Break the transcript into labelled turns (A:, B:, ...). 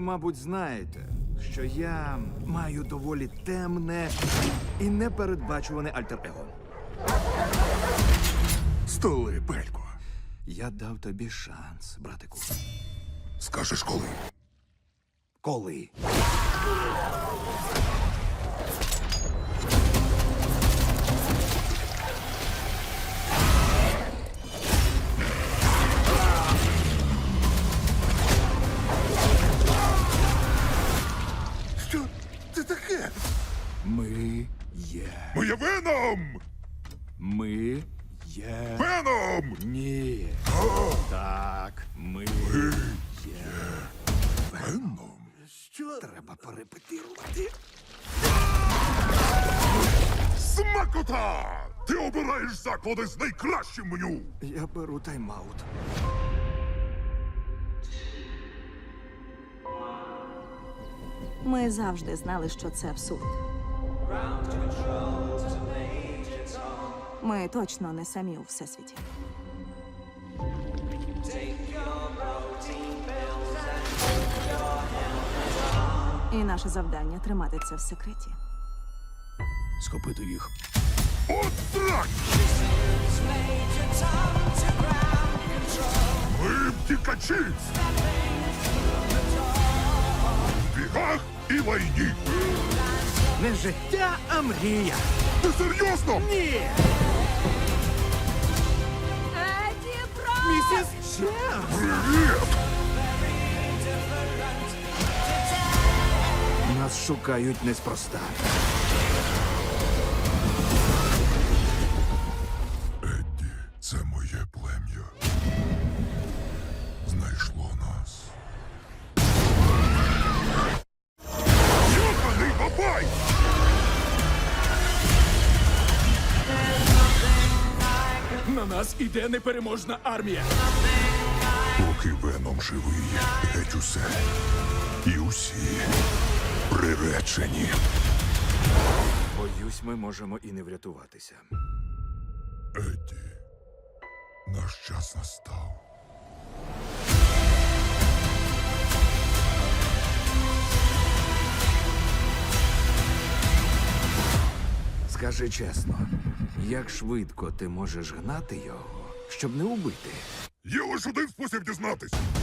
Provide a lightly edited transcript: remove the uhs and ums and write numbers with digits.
A: мабуть, знаєте, що я маю доволі темне і непередбачуване альтер-его.
B: Столи, Пелько.
A: Я дав тобі шанс, братику.
B: Скажеш коли?
A: Коли?
B: Що це таке?
A: Ми є.
B: Ми є Веном!
A: Ми є.
B: Веном!
A: Ні. Так, ми є.
B: Веном? Що?
A: Треба порепетирувати.
B: Смакота! Ти обираєш заклади з найкращим меню!
A: Я беру тайм-аут.
C: Ми завжди знали, що це абсурд. Ми точно не самі у всесвіті. І наше завдання тримати це в секреті.
A: Схопити їх.
B: От так! Ми втікачі! В бігах і лайні!
A: Не життя, а мрія.
B: Ти серйозно?
A: Ні!
C: Еді Бро!
A: Місіс Чемс!
B: Привіт!
A: Нас шукають неспроста.
B: Едді, це моє плем'я. Знайшло нас. Йоханий бабай!
D: На нас іде непереможна армія.
B: Поки Веном живий, геть усе. І усі приречені.
A: Боюсь, ми можемо і не врятуватися.
B: Едді, наш час настав.
A: Скажи чесно, як швидко ти можеш гнати його, щоб не убити?
B: Є лише один спосіб дізнатись.